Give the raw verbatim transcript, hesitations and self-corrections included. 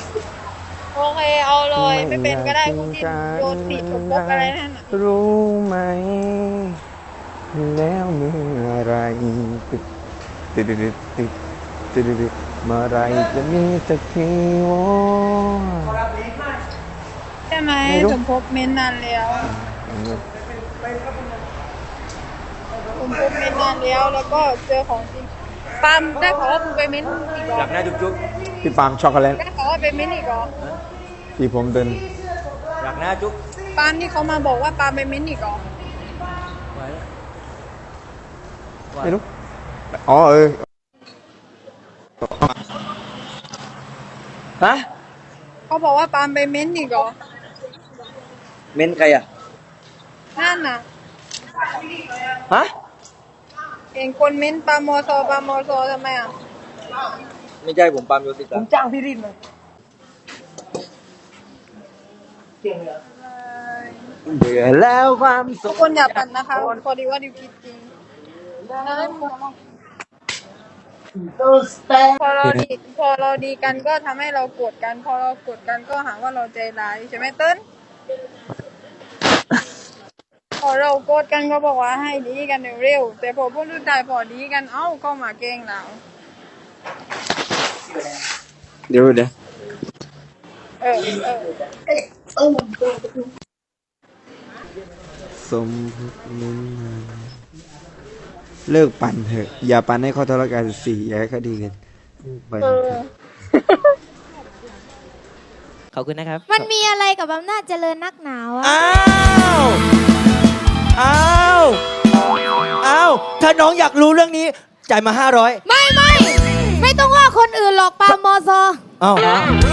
โอเคเอาเลยไม่เป็นก็ได้พวกที่โยนผิดตกบกอะไรนั่นน่ะรู้ไหมแล้วเมื่อไรติดติดติดติดติดติดเมื่อไรจะมีสักทีวะใช่ไหมสมภพเม้นนานแล้วสมภพเม้นนานแล้วแล้วก็เจอของจริงปาล์มได้ขอว่ามึงไปเม้นอีกเหรอหลับหน้าจุ๊บพี่ปาล์มช็อกโกแลตได้ขอว่าไปเม้นอีกเหรอที่ผมเดินๆหลับหน้าจุ๊บปาล์มที่เขามาบอกว่าปาล์มไปเม้นอีกเหรอไหวแล้วไหวไม่รู้อ๋อเออฮะเขาบอกว่าปาล์มไปเม้นอีกเหรอเม้นใครอ่ะนั่นน่ะฮะเห็นคนเม้นปาล์มมอซอปาล์มมอซอทำไมอ่ะไม่ใช่ผมปาล์มโยสิตผมจ้างพี่รินเลยเบื่อแล้วความสุทุขกคนอย่าปั่นนะคะพอดีว่าดิวคิดจริงพอเราดีพอเราดีกันก็ทำให้เราโกรธกัน พอเราโกรธกันก็หาว่าเราใจร้ายใช่ไหมเติ้ลพอเราโกรธกันก็บอกว่าให้ดีกันเร็วๆแต่พอพวกรุ่นชายพอดีกันเอ้าก็มาแกล้งเราเดี๋ยวเดี๋ยวเออเออสมมุติเลิกปั่นเถอะ อย่าปั่นให้เขาทะเลาะกันสี่อย่าให้เขาดีกันไปเออขอบคุณนะครับมันมีอะไรกับอำนาจเจริญนักหนาวอะอ้าวอ้าวอ้าวถ้าน้องอยากรู้เรื่องนี้จ่ายมาห้าร้อยไม่ไม่ไม่ต้องว่าคนอื่นหรอกปาล์มมอซออ้าว